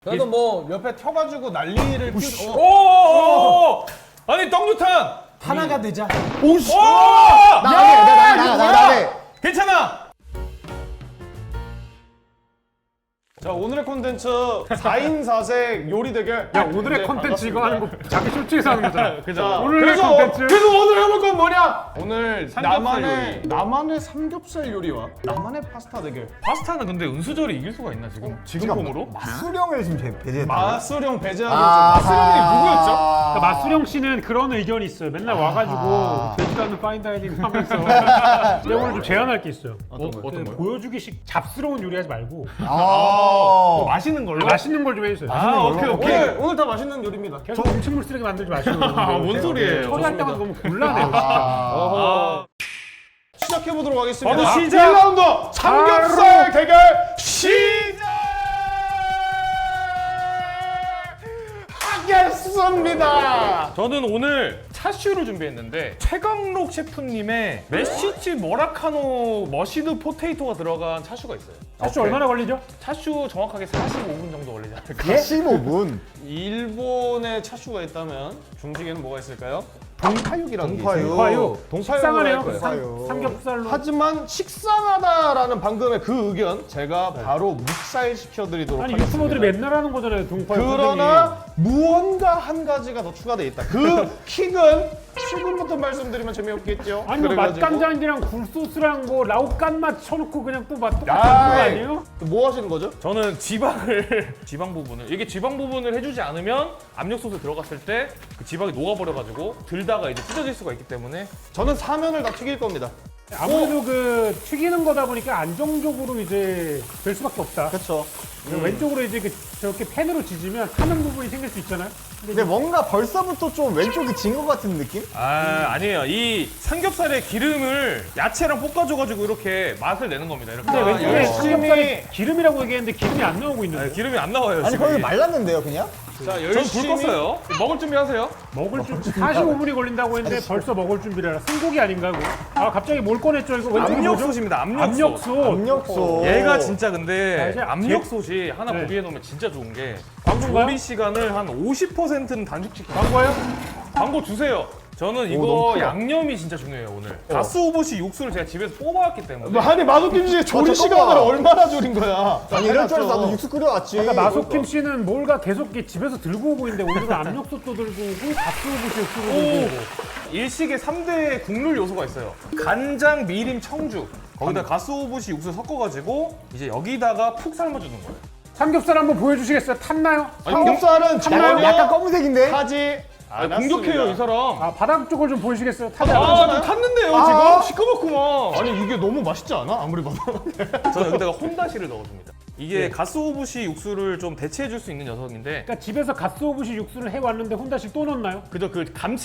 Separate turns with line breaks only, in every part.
그래도 뭐 옆에 켜가지고 난리를 피우.
오! 아니 떡류탄!
하나가 되자.
오씨!
나가게.
괜찮아!
자 오늘의 콘텐츠 4인 4색 요리 대결.
야 오늘의 컨텐츠 이거 하는 거 자기 쇼츠에서 하는 거잖아.
그죠?
오늘의 컨텐츠.
그래서 오늘 해볼 건 뭐냐? 오늘
삼겹살
나만의 삼겹살 요리와 나만의 파스타 대결.
파스타는 근데 은수저리 이길 수가 있나 지금? 지금 폼으로?
수령을 지금 배제했다.
마수령 배제하기
마수령이 누구였죠?
그러니까 마수령 씨는 그런 의견이 있어요. 맨날 와가지고 되지도 않는 파인다이닝 하면서. 근데 오늘 좀 제안할 게 있어요.
어떤 거요?
보여주기식 잡스러운 요리하지 말고
맛있는 걸로?
맛있는 걸 좀 해주세요.
아 오케이 오케이.
오늘 다 맛있는 요리입니다.
계속 음식물 쓰레기 만들지 마시고.
뭔 소리예요?
처리할 때마다 너무 곤란해요. 진짜.
아,
시작해 보도록 하겠습니다.
바로 시작!
1라운드 삼겹살 대결 시작하겠습니다.
저는 오늘 차슈를 준비했는데 최강록 셰프님의 메시치 머라카노 머시드 포테이토가 들어간 차슈가 있어요.
사실 얼마나 걸리죠?
차슈 정확하게 45분 정도 걸리지 않을까?
15분.
일본에 차슈가 있다면 중식에는 뭐가 있을까요? 동파육이라는 게 있어요.
동파육.
동파육으로
식상하네요.
할 거예요.
삼겹살로.
하지만 식상하다라는 방금의 그 의견 제가 바로 묵살 시켜드리도록
아니
하겠습니다.
유튜버들이 맨날 하는 거잖아요. 동파육.
그러나 무언가 한 가지가 더 추가돼 있다. 그 킥은 지금부터 말씀드리면 재미없겠죠.
아니 뭐
그래가지고
맛간장이랑 굴소스랑 뭐 라오깐 맛 쳐놓고 그냥 또 맛 똑같은 거
아이.
아니에요?
뭐 하시는 거죠?
저는 지방 부분을 이게 지방 부분을 해주지 않으면 압력솥에 들어갔을 때 그 지방이 녹아버려가지고 들다가 이제 찢어질 수가 있기 때문에
저는 사면을 다 튀길 겁니다.
아무래도 그 튀기는 거다 보니까 안정적으로 이제 될 수밖에 없다.
그렇죠.
왼쪽으로 이제 저렇게 팬으로 지지면 타는 부분이 생길 수 있잖아요.
근데 뭔가 벌써부터 좀 왼쪽이 진 것 같은 느낌?
아니에요. 이 삼겹살의 기름을 야채랑 볶아줘가지고 이렇게 맛을 내는 겁니다. 이렇게.
근데 왼쪽에
열심히-
삼겹살에 기름이라고 얘기했는데 기름이 안 나오고 있는데
네, 기름이 안 나와요.
아니
지금.
거의 말랐는데요 그냥?
자
전불
열심히
껐어요. 먹을 준비하세요.
먹을 준비 45분이 걸린다고 했는데 벌써 먹을 준비를 해라. 승고기 아닌가 고 아 갑자기 뭘 꺼냈죠 이거? 왼쪽에 뭐죠?
압력솥입니다. 압력솥.
압력솥.
압력솥.
얘가 진짜
자,
근데
이제
압력솥이 하나
네.
구비해 놓으면 진짜 좋은 게
광고인가요?
조리 시간을 한 50%는 단축시켜요.
광고예요?
광고 주세요. 저는
너무
이거
크다.
양념이 진짜 중요해요 오늘. 가스오버시 육수를 제가 집에서 뽑아왔기 때문에.
아니 마도김치 조리
잠깐만.
시간을 얼마나 줄인 거야?
아니 이럴 줄 알았어 나도 육수 끓여왔지.
그러니까 마소킴 씨는 뭔가 계속 이렇게 집에서 들고 오고 있는데 오늘은 압력솥도 들고 오고 가스오브시 육수도 들고 오고.
일식에 3대 국룰 요소가 있어요. 간장, 미림, 청주. 거기다 가스오버시 육수 섞어가지고 이제 여기다가 푹 삶아주는 거예요.
삼겹살 한번 보여주시겠어요? 탔나요?
삼겹살은 전혀
약간 검은색인데?
타지
공격해요 이 사람.
아 바닥 쪽을 좀 보여주시겠어요? 타지
아,
않았나요?
좀 탔는데요
아.
지금? 시커멓구만.
아니 이게 너무 맛있지 않아? 아무리 봐도.
저는 여기다가 혼다시를 넣어줍니다. 이게 가스오브시 육수를 좀 대체해줄 수 있는 녀석인데
그러니까 집에서 가스오브시 육수를 해왔는데 혼다시 또 넣나요?
그저 그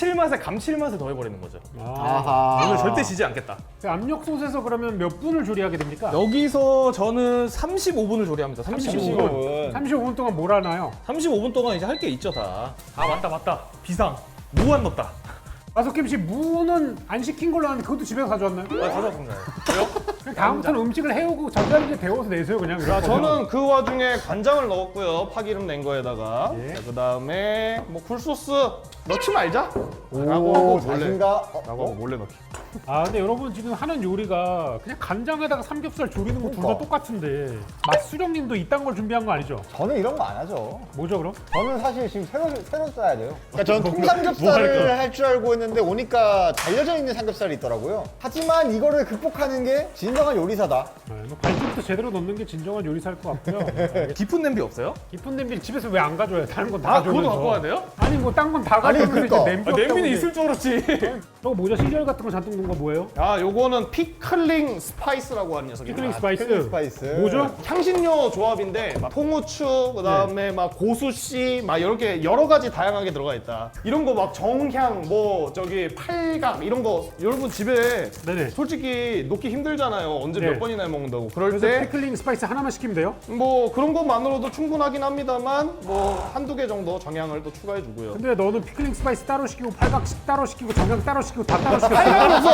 감칠맛을 더해버리는 거죠.
아하.
오늘 절대 지지 않겠다.
그 압력솥에서 그러면 몇 분을 조리하게 됩니까?
여기서 저는 35분을 조리합니다. 35분.
35분 동안 뭘 하나요?
35분 동안 이제 할 게 있죠 다. 아 맞다. 비상. 무 안 넣었다.
마소킴 씨 무는 안 시킨 걸로 아는데 그것도 집에서 가져왔나요?
아 가져왔습니다. 왜요?
그냥 다음부터는 음식을 해오고 전자레인지에 데워서 내세요 그냥.
자, 저는 그 와중에 간장을 넣었고요. 파기름 낸 거에다가.
예.
자, 그다음에 뭐 굴소스 넣지 말자.
오
라고 하고
자신감.
라고 하고 몰래 넣기.
아 근데 여러분 지금 하는 요리가 그냥 간장에다가 삼겹살 조리는 거 둘 다
그러니까.
똑같은데 맛수령님도 이딴 걸 준비한 거 아니죠?
저는 이런 거 안 하죠.
뭐죠 그럼?
저는 사실 지금 새로 써야 돼요. 그러니까 저는 통삼겹살을 할 줄 알고 했는데 오니까 잘려져 있는 삼겹살이 있더라고요. 하지만 이거를 극복하는 게 진정한 요리사다.
뭐 발톱도 제대로 넣는 게 진정한 요리사일 것 같고요.
깊은 냄비 없어요?
깊은 냄비를 집에서 왜 안 가져와요? 다른 건 다
아
가져오면서.
그것도 갖고 와야 돼요?
아니 뭐 딴 건 다
아니,
가져오면서
그러니까.
이제 냄비 없다고
냄비는
이제.
있을 줄 알았지.
저거 뭐죠? 시절 같은 거 잔뜩 넣은 거 뭐예요?
아, 요거는 피클링 스파이스라고 하는 녀석입니다.
피클링 스파이스.
필링 스파이스.
뭐죠?
향신료 조합인데 막 통후추, 그다음에 막 고수씨, 막 이렇게 여러 가지 다양하게 들어가 있다. 이런 거 막 정향, 뭐 저기 팔각 이런 거 여러분 집에
네네.
솔직히 놓기 힘들잖아요. 언제
네.
몇 번이나 해 먹는다고. 그럴
그래서
때
피클링 스파이스 하나만 시키면 돼요?
뭐 그런 것만으로도 충분하긴 합니다만 뭐 한두 개 정도 정향을 또 추가해 주고요.
근데 너는 피클링 스파이스 따로 시키고 팔각 따로 시키고 정강 따로 시키고 다 따로 시켰어.
팔각이 없어.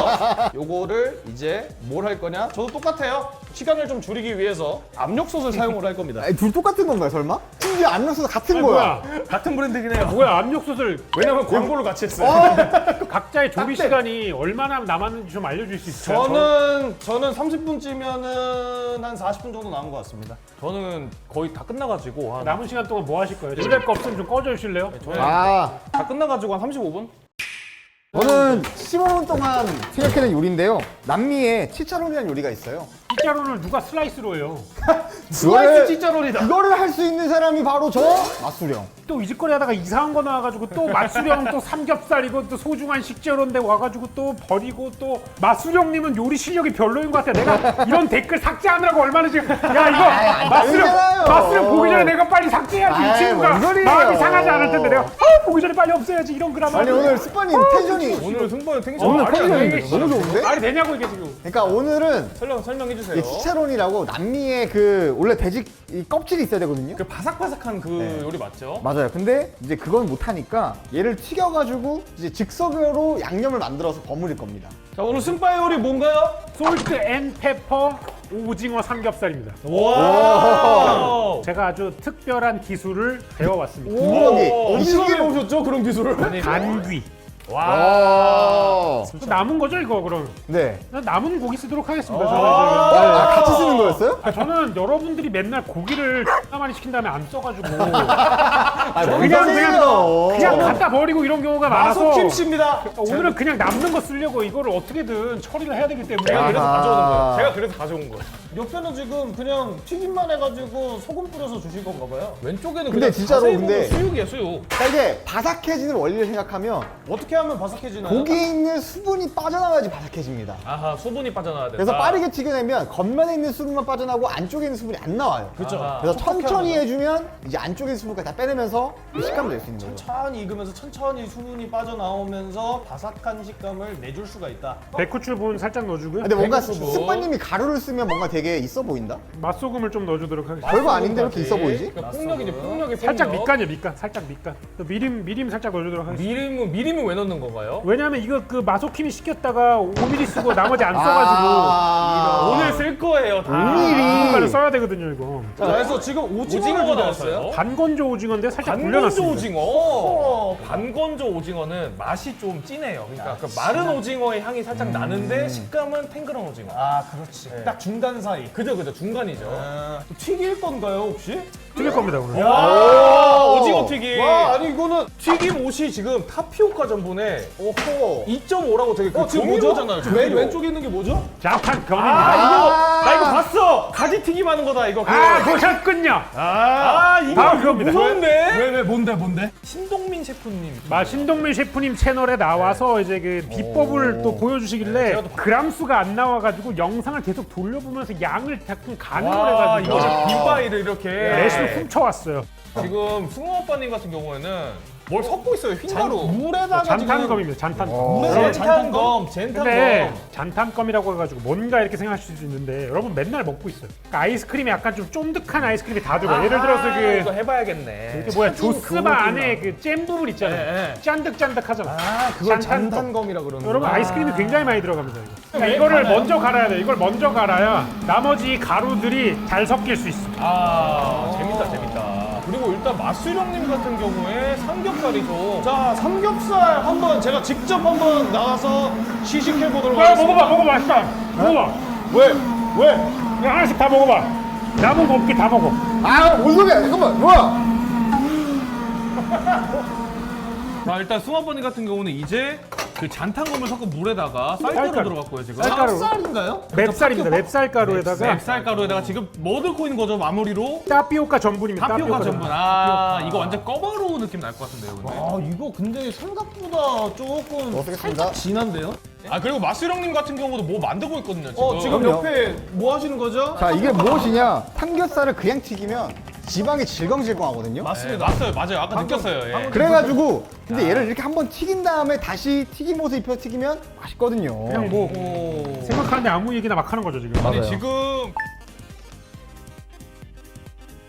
요거를 이제 뭘 할 거냐? 저도 똑같아요. 시간을 좀 줄이기 위해서 압력솥을 사용을 할 겁니다.
아니, 둘 똑같은 건가요, 설마? 심지어 압력솥 같은 거야.
뭐야?
같은 브랜드긴 해요.
뭐야 압력솥을
왜냐면 광고를 같이 했어요.
각자의 조리
딱
시간이 얼마나 남았는지 좀 알려줄 수 있어요?
저는 30분쯤이면은 한 40분 정도 남은 것 같습니다.
저는 거의 다 끝나가지고 한,
남은 시간 동안 뭐 하실 거예요? 요리할 거 없으면 좀 꺼져 주실래요?
저는
아,
다 끝나가지고 한 35분?
저는 15분 동안 생각해낸 요리인데요. 남미에 치차론이라는 요리가 있어요.
피자로는 누가 슬라이스로 해요?
슬라이스 찌짜롤이다.
그거를 할 수 있는 사람이 바로 저 마수령.
또 이 짓거리 하다가 이상한 거 나와가지고 또 맛수령 또 삼겹살이고 또 소중한 식재료인데 와가지고 또 버리고 또 맛수령님은 요리 실력이 별로인 것 같아. 내가 이런 댓글 삭제하느라고 얼마나 지금 야 이거
아니잖아요.
맛수령 보기 전에 내가 빨리 삭제해야지. 이
아이,
친구가
뭔 소리예요.
마음이 상하지 않을 텐데 내가 보기 전에 빨리 없애야지 이런 글 하면
아니, 오늘 스파님 텐션이
오늘 승부는 텐션
오늘
말이 안
텐션이
되게
너무 좋은데?
말이 되냐고 이게 지금.
그러니까 오늘은
설명해 주세요.
이게 치차론이라고 남미의 그 원래 돼지 이 껍질이 있어야 되거든요.
그 바삭바삭한 그
네.
요리 맞죠?
맞아요. 근데 이제 그건 못하니까 얘를 튀겨가지고 이제 즉석으로 양념을 만들어서 버무릴 겁니다.
자, 오늘 승바의 요리 뭔가요?
솔트 앤 페퍼 오징어 삼겹살입니다.
와.
제가 아주 특별한 기술을 배워왔습니다.
여기
어디서
이시기를
배우셨죠? 그런 기술을?
간귀.
와.
또 남은 거죠 이거 그럼?
네.
난 남은 고기 쓰도록 하겠습니다. 저는
아, 같이 쓰는 거였어요?
저는 여러분들이 맨날 고기를 하나 많이 시킨 다음에 안 써가지고
아,
그냥 갖다 버리고 이런 경우가 많아서
마소킴 씨입니다.
오늘은 그냥 남는 거 쓰려고 이거를 어떻게든 처리를 해야 되기 때문에
제가 그래서
아하.
가져오는 거예요. 제가 그래서 가져온 거예요.
옆에는 지금 그냥 튀김만 해가지고 소금 뿌려서 주신 건가 봐요.
왼쪽에는
근데
그냥
진짜로
자세히
근데-
보면 수육이에요, 수육.
그러니까 이게 바삭해지는 원리를 생각하면
어떻게 하면 바삭해지나요?
고기에 있는 수분이 빠져나와야지 바삭해집니다.
아하, 소분이 빠져나와야 된다.
그래서 빠르게 튀겨내면 겉면에 있는 수분만 빠져나오고 안쪽에 있는 수분이 안 나와요.
그렇죠.
아하.
그래서 천천히 해주면 이제 안쪽에 있는 수분까지 다 빼내면서 그 식감을 낼 수 있는 거예요.
천천히 익으면서 천천히 수분이 빠져나오면서 바삭한 식감을 내줄 수가 있다.
배쿠추 분 살짝 넣어주고요.
근데 뭔가
배고프고.
스파님이 가루를 쓰면 뭔가 되게 있어 보인다?
맛소금을 좀 넣어주도록 하겠습니다.
별거 아닌데 이렇게 있어 보이지?
그러니까 폭력이지, 폭력이
살짝
폭력.
밑간이요 밑간 살짝 밑간. 또 미림 살짝 넣어주도록 하겠습니다.
미림은 왜 넣는 건가요?
왜냐하면 이거 그 마소킴이 시켰다가 5mm 쓰고 나머지 안 써가지고
아,
오늘 쓸 거예요, 다.
5mm.
이거를 써야 되거든요 이거.
자, 그래서 지금 오징어를
오징어가
준비했어요.
나왔어요.
반건조 오징어인데 살짝
반건조
불려놨습니다.
오징어. 반건조 오징어는 맛이 좀 진해요. 그러니까 그 마른 오징어의 향이 살짝 나는데 식감은 탱글한 오징어.
아, 그렇지. 딱 중간 사이.
그죠, 중간이죠.
또 튀길 건가요, 혹시?
튀길 겁니다 오늘.
와, 오징어 튀김.
와, 아니 이거는
튀김 옷이 지금 타피오카 전분에
오호.
2.5라고 되게 그
지금
종이로잖아요.
뭐죠? 맨 왼쪽에 있는 게 뭐죠?
잠깐 검입니다.
나 이거 봤어. 가지 튀김 하는 거다 이거.
보셨군요.
이거
바로 그겁니다.
무서운데.
왜 뭔데?
신동민 셰프님.
신동민 셰프님 채널에 나와서 이제 그 비법을 또 보여주시길래
제가 또
그람 수가 안 나와가지고 영상을 계속 돌려보면서 양을 자꾸 가능을
와,
해가지고
이거 빈바이를 이렇게.
레시피 훔쳐왔어요.
지금 승호 오빠님 같은 경우에는 뭘 섞고 있어요. 흰가루.
물에다가
잔탄검입니다. 잔탄검.
물에다가
잔탄검.
근데
잔탄검.
잔탄검이라고 해가지고 뭔가 이렇게 생각하실 수 있는데 여러분 맨날 먹고 있어요. 그러니까 아이스크림이 약간 좀 쫀득한 아이스크림이 다 들어가. 예를 들어서
이거
그
해봐야겠네.
뭐야 조스바 안에 그 잼 부분 있잖아요.
네, 네.
짠득짠득하잖아.
아, 그걸
잔탄검.
잔탄검이라 그러는
여러분
거야.
아이스크림이 굉장히 많이 들어갑니다. 이거. 그러니까 이거를 먼저 갈아야 돼. 이걸 먼저 갈아야 나머지 가루들이 잘 섞일 수 있어.
재밌다. 그리고 일단 마수령님 같은 경우에 삼겹살이죠.
자, 삼겹살 한번 제가 직접 한번 나가서 시식해 보도록
야,
하겠습니다.
먹어봐 맛있다. 먹어봐.
왜?
그냥 하나씩 다 먹어봐. 남은 거 없게 다 먹어.
아, 뭔 소리야? 잠깐만, 뭐야?
자, 일단 승아버님 같은 경우는 이제 그 잔탄검을 섞은 물에다가 쌀가루
쌀가루.
들어갔고요 지금.
쌀가루.
쌀인가요?
맵쌀입니다. 맵쌀가루에다가
맵쌀가루에다가 지금 뭐 넣고 있는 거죠 마무리로?
타피오카 전분입니다.
타피오카 전분. 이거 완전 꺼바로우 느낌 날 것 같은데요, 근데.
아, 이거 근데 생각보다 조금
먹겠습니다.
살짝 진한데요?
그리고 마수령님 같은 경우도 뭐 만들고 있거든요 지금.
지금
그럼요.
옆에 뭐 하시는 거죠?
자, 이게 무엇이냐? 삼겹살을 그냥 튀기면 지방이 질겅질겅하거든요.
맞습니다.
맞아요. 아까 느꼈어요. 예.
그래가지고 근데 얘를 이렇게 한번 튀긴 다음에 다시 튀김옷에 입혀 튀기면 맛있거든요.
그냥 뭐 생각하는데 아무 얘기나 막 하는 거죠 지금.
아니
맞아요.
지금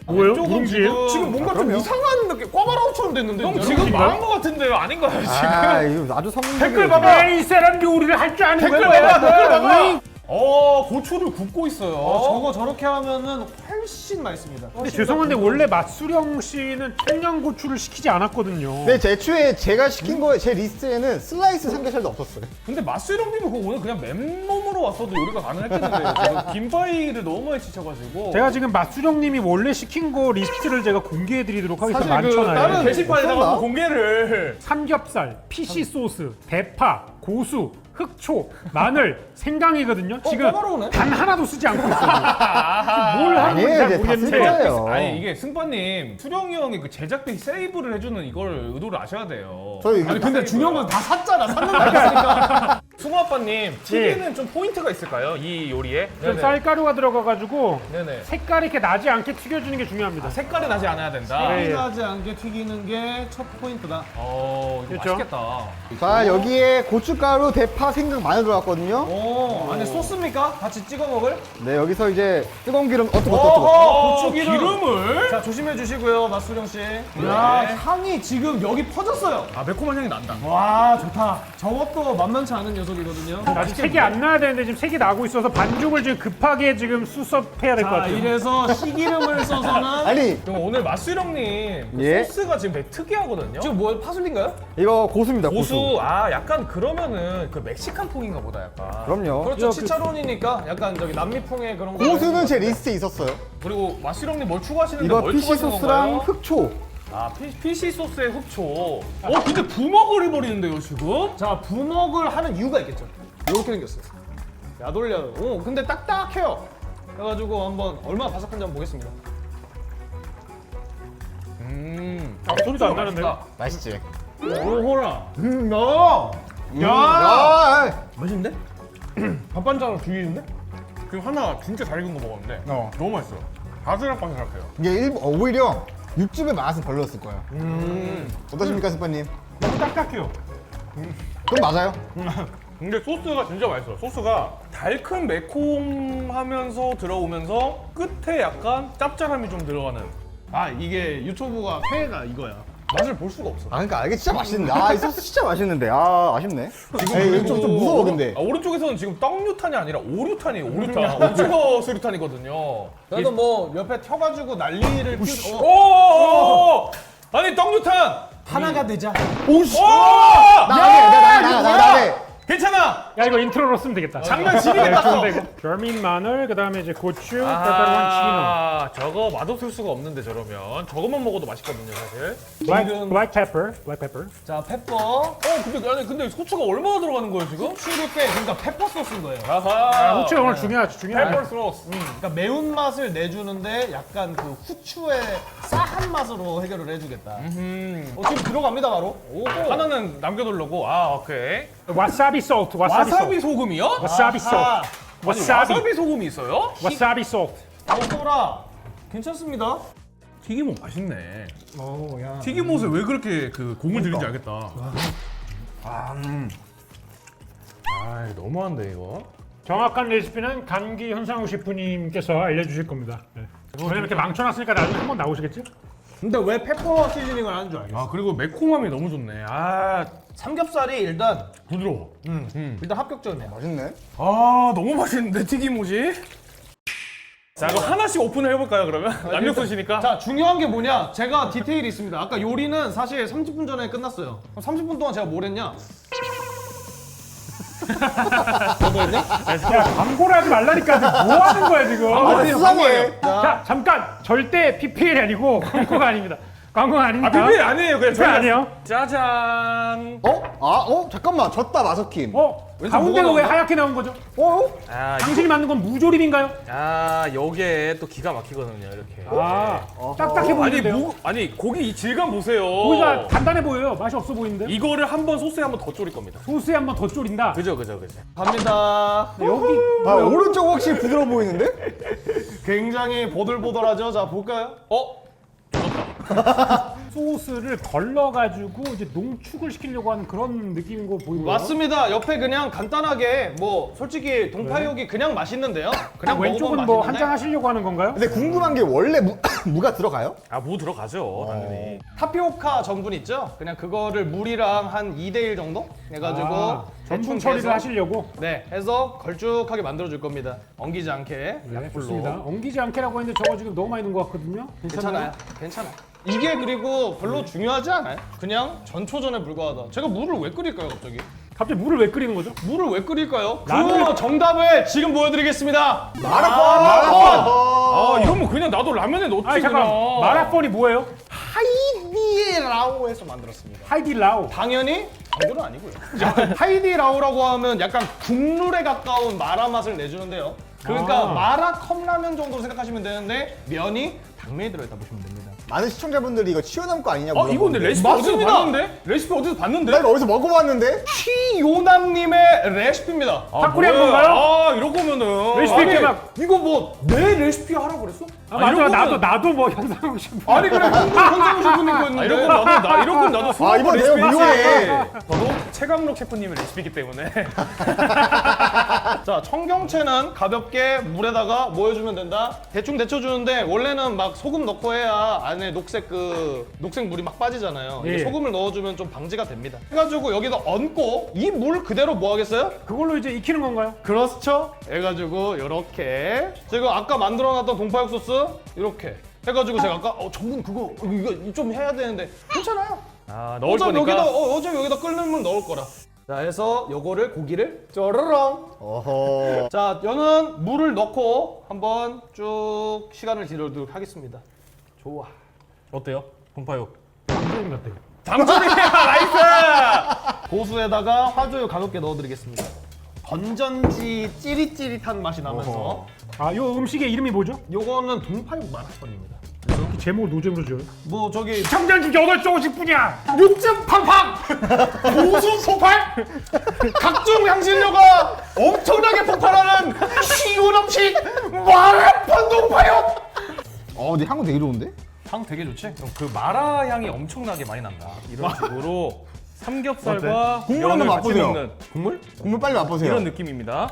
뭐예요?
이쪽은
누룽지예요?
지금 뭔가 좀 이상한 느낌. 꽈바라우처럼 됐는데.
형
여러분?
지금 망한 거 같은데요? 아닌가요 지금?
아 이거 아주 성공적이에요.
댓글 봐봐.
이 사람 요리를 할 줄 아는
댓글
거야.
봐봐. 댓글 봐봐.
고추를 굽고 있어요.
저거 저렇게 하면은 훨씬 맛있습니다.
근데 죄송한데 원래 맛수령 씨는 청양고추를 시키지 않았거든요.
네, 애초에 제가 시킨 거에 제 리스트에는 슬라이스 삼겹살도 없었어요.
근데 마스령님은 그거 오늘 그냥 맨몸으로 왔어도 요리가 가능했겠는데요. 제가 김바이를 너무 많이 지쳐가지고.
제가 지금 맛수령님이 원래 시킨 거 리스트를 제가 공개해드리도록 하겠습니다.
사실 그
많잖아요.
다른 게시판에다가
없었나?
한번 공개를.
삼겹살, 피시 소스, 대파, 고수, 흑초, 마늘, 생강이거든요. 지금
까다로우네.
단 하나도 쓰지 않고 있어요. 뭘 하는
아니에요,
건지 잘
이제 다
모르겠는데.
쓸 거예요.
아니 이게 승빠님 수령이 형이 그 제작비 세이브를 해주는 이걸 의도를 아셔야 돼요.
저희
아니 근데 중요한 건 다 샀잖아. 샀는데 샀으니까.
승우 아빠님 튀기는 좀 포인트가 있을까요? 이 요리에?
좀 쌀가루가 들어가가지고
네네.
색깔이 이렇게 나지 않게 튀겨주는 게 중요합니다.
색깔이 나지 않아야 된다.
네.
나지 않게 튀기는 게 첫 포인트다.
이거
그렇죠?
맛있겠다.
자 여기에 고춧가루, 대파, 생강, 마늘 들어갔거든요.
오, 안에 소스입니까? 같이 찍어 먹을?
네 여기서 이제 뜨거운 기름 어떻게
기름을?
자 조심해 주시고요, 맛수령 씨. 야 향이 지금 여기 퍼졌어요.
아 매콤한 향이 난다.
와 좋다. 저것도 만만치 않은 녀석이거든요.
아직 색이 안 나야 되는데 지금 색이 나고 있어서 반죽을 지금 급하게 지금 수습해야 될 것
자
같아요.
이래서 시기름을 써서는
아니
그럼 오늘 맛수령님 그
예?
소스가 지금 되게 특이하거든요.
지금 뭐 파슬리인가요?
이거 고수입니다.
고수 약간 그러면은 그 멕시칸 풍인가 보다 약간.
그럼요.
그렇죠. 치차론이니까 약간 저기 남미풍의 그런 거.
고수는 제 리스트에 있었어요.
그리고 맛수령님 뭘 추가하시는데
이거
뭘
피시
추가하시는
소스랑
건가요?
흑초.
피시 소스에 흑초. 근데 부먹을 해버리는데요 지금?
자 부먹을 하는 이유가 있겠죠. 이렇게 생겼어요. 야돌려요. 오 근데 딱딱해요. 그래가지고 한번 얼마나 바삭한지 한번 보겠습니다.
소리도 안 나는데요?
맛있지.
오호라.
야.
맛있는데? 밥반찬으로 죽이는데?
지금 하나 진짜 잘 익은 거 먹었는데 너무 맛있어요. 바삭바삭해요.
이게 오히려 육즙의 맛은 별로였을 거예요. 어떠십니까, 스파님?
너무 딱딱해요.
그럼 맞아요.
근데 소스가 진짜 맛있어요. 소스가 달큼 매콤하면서 들어오면서 끝에 약간 짭짤함이 좀 들어가는.
아 이게 유튜브가 회가 이거야.
맛을 볼 수가 없어.
그러니까 이게 진짜 맛있는데. 이 소스 진짜 맛있는데. 아쉽네. 에이, 좀 무서워 근데.
오른쪽에서는 지금 떡류탄이 아니라 오류탄이에요. 오류탄. 오징어 수류탄이거든요.
그래도 뭐 옆에 켜가지고 난리를 피우.
오! 아니 떡류탄.
하나가 되자.
오씨.
나가게.
괜찮아.
야 이거 인트로로 쓰면 되겠다.
장난 지리겠다.
좋은데 이거. 절민 마늘, 그다음에 이제 고추, 페퍼론
저거 맛없을 수가 없는데 저러면 저것만 먹어도 맛있거든요 사실.
치노, black pepper.
자 페퍼.
근데 소추가 얼마나 들어가는 거예요 지금?
추를 때 그러니까 페퍼 소스인 거예요.
아하.
후추가 오늘 중요하죠.
페퍼 소스.
그러니까 매운 맛을 내주는데 약간 그 후추의 싸한 맛으로 해결을 해주겠다. 지금 들어갑니다 바로.
오, 하나는 남겨두려고. 오케이.
와사비 소스,
와사비 소금이요?
와사비
아하.
소스,
아니, 와사비 소금이 있어요?
와사비 소스.
먹어라. 괜찮습니다.
튀김옷 맛있네.
야.
튀김옷에 왜 그렇게 그 공을 들인지 알겠다. 너무한데 이거.
정확한 레시피는 감기 현상우 셰프님께서 알려주실 겁니다. 네. 왜냐면 이렇게 망쳐놨으니까 나중에 한번 나오시겠지?
근데 왜 페퍼 시즈닝을 하는 줄 알겠어?
그리고 매콤함이 너무 좋네.
삼겹살이 일단
부드러워.
일단 합격점이야.
맛있네.
너무 맛있는데 튀김옷이. 자 그럼 하나씩 오픈을 해볼까요 그러면? 남녀소시니까.
자 중요한 게 뭐냐? 제가 디테일이 있습니다. 아까 요리는 사실 30분 전에 끝났어요. 그럼 30분 동안 제가 뭘 했냐?
야 광고를 하지 말라니까 지금 뭐 하는 거야 지금?
수상해.
자 잠깐 절대 PPL이 아니고 광고가 아닙니다. 광고가 아니니까.
PPL 아니에요 그냥
PPL 아니에요.
짜잔.
잠깐만. 졌다, 마석킴.
가운데가
뭐가
왜
나오나?
하얗게 나온 거죠? 당신이 만든 건 무조림인가요?
요게 또 기가 막히거든요 이렇게.
딱딱해 보이는데요.
아니 고기 이 질감 보세요.
고기가 단단해 보여요. 맛이 없어 보이는데.
이거를 한번 소스에 한번 더 졸일 겁니다.
소스에 한번 더 졸인다.
그죠.
갑니다.
여기
오른쪽 확실히 부드러워 보이는데?
굉장히 보들보들하죠. 자 볼까요?
소스를 걸러가지고 이제 농축을 시키려고 하는 그런 느낌인 거 보이고요.
맞습니다. 옆에 그냥 간단하게 뭐 솔직히 동파육이 그냥 맛있는데요. 그냥
왼쪽은
먹어보면
뭐
맛있는데
한잔 하시려고 하는 건가요?
근데 궁금한 게 원래 무가 들어가요?
아, 무 들어가죠, 당연히.
타피오카 전분 있죠? 그냥 그거를 물이랑 한 2대1 정도 해가지고
전분
대충
처리를
해서
하시려고.
네, 해서 걸쭉하게 만들어줄 겁니다. 엉기지 않게
네,
약불로.
좋습니다. 엉기지 않게라고 했는데 저거 지금 너무 많이 넣은 것 같거든요.
괜찮아요. 괜찮아요. 이게 그리고 별로 중요하지 않아요. 그냥 전초전에 불과하다. 제가 물을 왜 끓일까요, 갑자기?
갑자기 물을 왜 끓이는 거죠?
물을 왜 끓일까요?
라면-
그 정답을 지금 보여드리겠습니다.
아, 이러면 그냥 나도 라면에 넣지,
아니 잠깐,
그냥.
마라폰이 뭐예요?
하이디라오에서 만들었습니다.
하이디라오.
당연히 당근은 아니고요. 하이디라오라고 하면 약간 국룰에 가까운 마라 맛을 내주는데요. 그러니까
아.
마라 컵라면 정도로 생각하시면 되는데 면이 당면이 들어있다 보시면 됩니다.
많은 시청자분들이 이거 치오남 거 아니냐고
아, 이거 근데
물어보는데.
레시피 어디서
맞습니다.
봤는데? 레시피 어디서 봤는데?
나 이거 어디서 먹어봤는데?
시요남님의 레시피입니다.
닭꼬리 한
뭐야?
건가요?
아, 이럴 거면은.
레시피
아니,
이렇게 막.
이거 뭐 내 레시피 하라고 그랬어?
아, 맞아.
이런 거는-
나도 뭐 현상욱 셰프.
아니 그래 현상우 셰프님 거
아,
있는데.
이런 건 나도
아 이번 내가 유효해.
저도 최강록 셰프님의 레시피이기 때문에.
자, 청경채는 가볍게 물에다가 뭐 해주면 된다? 대충 데쳐주는데 원래는 막 소금 넣고 해야 안에 녹색 물이 막 빠지잖아요. 이게
예.
소금을 넣어주면 좀 방지가 됩니다. 해가지고 여기다 얹고 이 물 그대로 뭐 하겠어요?
그걸로 이제 익히는 건가요?
그렇죠. 해가지고 이렇게 제가 아까 만들어놨던 동파육 소스 이렇게 해가지고 제가 아까 전분 그거 이거 좀 해야 되는데 괜찮아요.
아, 넣을
어차피
거니까.
여기다 어차피 여기다 끓는 물 넣을 거라. 자, 해서 요거를 고기를 쪼르렁.
어허.
자, 저는 물을 넣고 한번 쭉 시간을 지르도록 하겠습니다. 좋아.
어때요? 동파육.
감독님 같아요.
장조림이야, 나이스!
고수에다가 화조유 가볍게 넣어드리겠습니다. 건전지 찌릿찌릿한 맛이 나면서
아, 요 음식의 이름이 뭐죠?
요거는 동파육 마라탕입니다.
이렇게 제목을 노잼으로 지어요?
뭐 저기
청장지 8조씩뿐이야.
육즙 팡팡 고수 폭발 각종 향신료가 엄청나게 폭발하는 쉬운 음식 마라탕 동파육.
근데 향은 되게 좋은데?
향 되게 좋지? 그럼 그 마라 향이 엄청나게 많이 난다. 이런 식으로 삼겹살과
국물
면을
한번
같이
맛보세요.
먹는 국물?
국물 빨리 맛보세요.
이런 느낌입니다.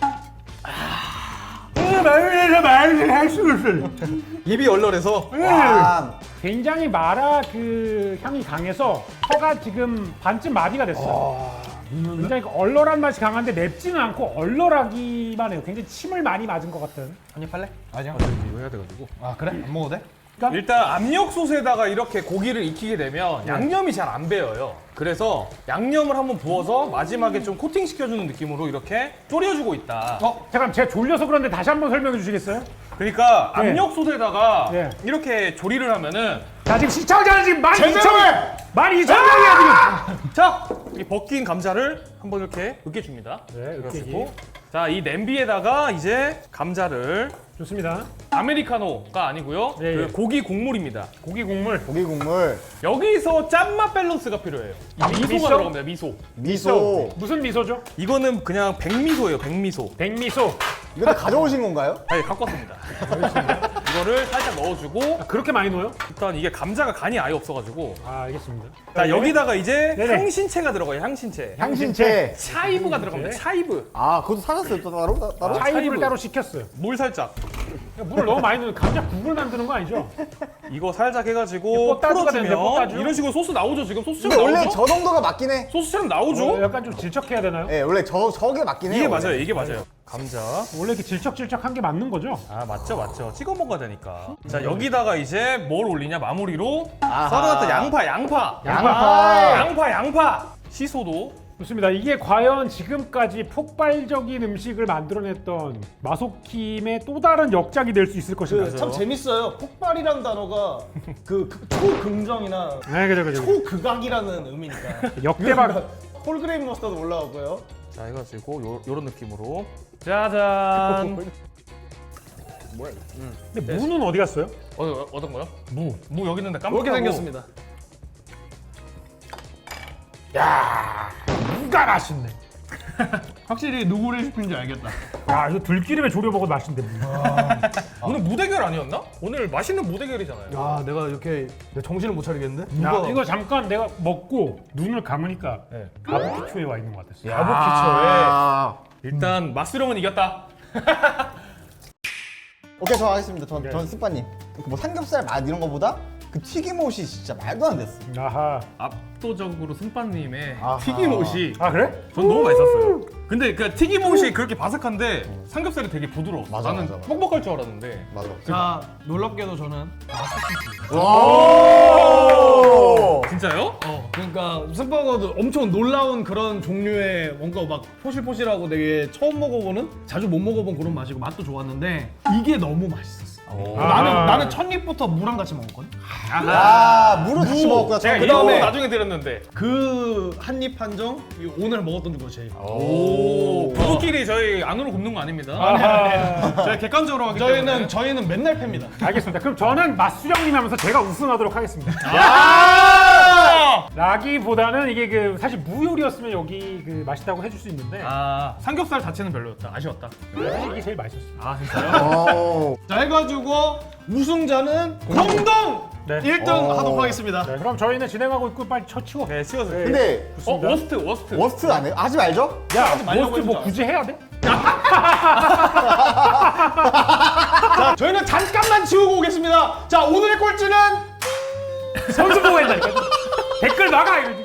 입이 얼얼해서
와,
굉장히 마라 그 향이 강해서 혀가 지금 반쯤 마비가 됐어요. 굉장히 얼얼한 맛이 강한데 맵지는 않고 얼얼하기만 해요. 굉장히 침을 많이 맞은 것 같은.
한입 할래? 아니야.
이거 해야 돼가지고.
아 그래? 안 먹어도 돼?
일단 압력솥에다가 이렇게 고기를 익히게 되면 양념이 잘 안 배어요. 그래서 양념을 한번 부어서 마지막에 좀 코팅 시켜주는 느낌으로 이렇게 졸여주고 있다.
잠깐 제가 졸려서 그런데 다시 한번 설명해 주시겠어요?
그러니까
네.
압력솥에다가
네.
이렇게 조리를 하면은
자 지금 시청자는 지금 12,000명!
제대로
12,000명이야 지금!
자, 이 벗긴 감자를 한번 이렇게 으깨줍니다.
네,
그래가지고 자, 이 냄비에다가 이제 감자를
좋습니다.
아메리카노가 아니고요.
예, 예.
그 고기 국물입니다.
고기 국물.
고기 국물,
여기서 짠맛 밸런스가 필요해요. 미소가
미소?
들어갑니다. 미소.
미소.
무슨 미소죠?
이거는 그냥 백미소예요. 백미소.
백미소.
이거 다 가져오신 건가요?
아니, 갖고 왔습니다. 이거를 살짝 넣어주고
그렇게 많이 넣어요?
일단 이게 감자가 간이 아예 없어가지고
아 알겠습니다.
자, 여기다가 이제
네네.
향신채가 들어가요. 향신채.
향신채.
차이브가 들어갑니다. 차이브.
아, 그것도 사셨어요? 또 따로? 따로?
차이브를
차이브.
따로 시켰어요.
물 살짝.
물을 너무 많이 넣으면 감자 국물 만드는 거 아니죠?
이거 살짝
이게
해가지고
뽀따주가 되는데,
풀어주면
뽀따주?
이런 식으로 소스 나오죠. 지금
근데
소스처럼
원래
나오죠.
저 정도가 맞긴 해.
소스처럼 나오죠.
약간 좀 질척해야 되나요?
예, 원래 저게 맞긴 해요.
이게
원래.
맞아요. 이게 맞아요. 감자.
원래 이렇게 질척질척한 게 맞는 거죠?
아, 맞죠. 찍어 먹어야 되니까. 자, 여기다가 이제 뭘 올리냐? 마무리로
아하.
썰어놨던 양파. 양파. 시소도.
좋습니다. 이게 과연 지금까지 폭발적인 음식을 만들어냈던 마소킴의 또 다른 역작이 될 수 있을 것인가?
참 재밌어요. 폭발이란 단어가 그 초긍정이나
네, 그죠.
초극악이라는 의미니까.
역대박.
홀그레인 머스타드 올라가고요.
자, 해가지고 요런 느낌으로. 짜잔.
근데 무는 어디 갔어요?
어떤 거요? 무 여기 있는데 깜빡하고.
이렇게 생겼습니다.
무가 맛있네.
확실히 누구 레시피인지 알겠다.
야 이거 들기름에 졸여 먹어도 맛있는데.
오늘 무대결 아니었나? 오늘 맛있는 무대결이잖아요.
야, 내가 이렇게 내 정신을 못 차리겠는데?
야 이거 잠깐 내가 먹고 눈을 감으니까
네.
바비큐에 와 있는 것 같았어.
가부키초에 일단 맛수령은 이겼다.
오케이, 저 하겠습니다. 전 스파님. 뭐 삼겹살 맛 이런 거보다 그 튀김옷이 진짜 말도 안 됐어.
아하.
압도적으로 승빠님의
아하.
튀김옷이
아 그래?
전 너무 맛있었어요. 근데 그 튀김옷이 그렇게 바삭한데 삼겹살이 되게 부드러웠어.
맞아,
나는
맞아.
뻑뻑할 줄 알았는데.
맞아.
자, 놀랍게도 저는
진짜요?
그러니까 승버거도 엄청 놀라운 그런 종류의 뭔가 막 포실포실하고 되게 처음 먹어보는 자주 못 먹어본 그런 맛이고 맛도 좋았는데 이게 너무 맛있었어. 나는 첫 입부터 무랑 같이 먹었거든.
아, 물을 같이 먹었구나.
제가
저.
이거
그다음에
나중에 들었는데.
그 한 입 한정 오늘 먹었던 거 제일.
오. 부부끼리 저희 안으로 굽는 거 아닙니다.
아하.
저희 객관적으로 하기 때문에.
저희는 맨날 팹니다.
알겠습니다. 그럼 저는 맛수령님 하면서 제가 우승하도록 하겠습니다. 라기보다는 이게 그 사실 무요리였으면 여기 그 맛있다고 해줄 수 있는데
삼겹살 자체는 별로였다. 아쉬웠다.
사실 이게 제일 맛있었어.
아 진짜요?
자 해가지고 우승자는 공동
네.
1등 하도록 하겠습니다.
네, 그럼 저희는 진행하고 있고 빨리 치워.
네, 치워주세요.
근데
워스트.
워스트 안 해요? 하지 말죠?
야,
말라고
모스트 뭐
해주자.
굳이 해야 돼?
자 저희는 잠깐만 지우고 오겠습니다. 자 오늘의 꼴찌는
선수 보고 한다니까. 댓글 나가 이러지.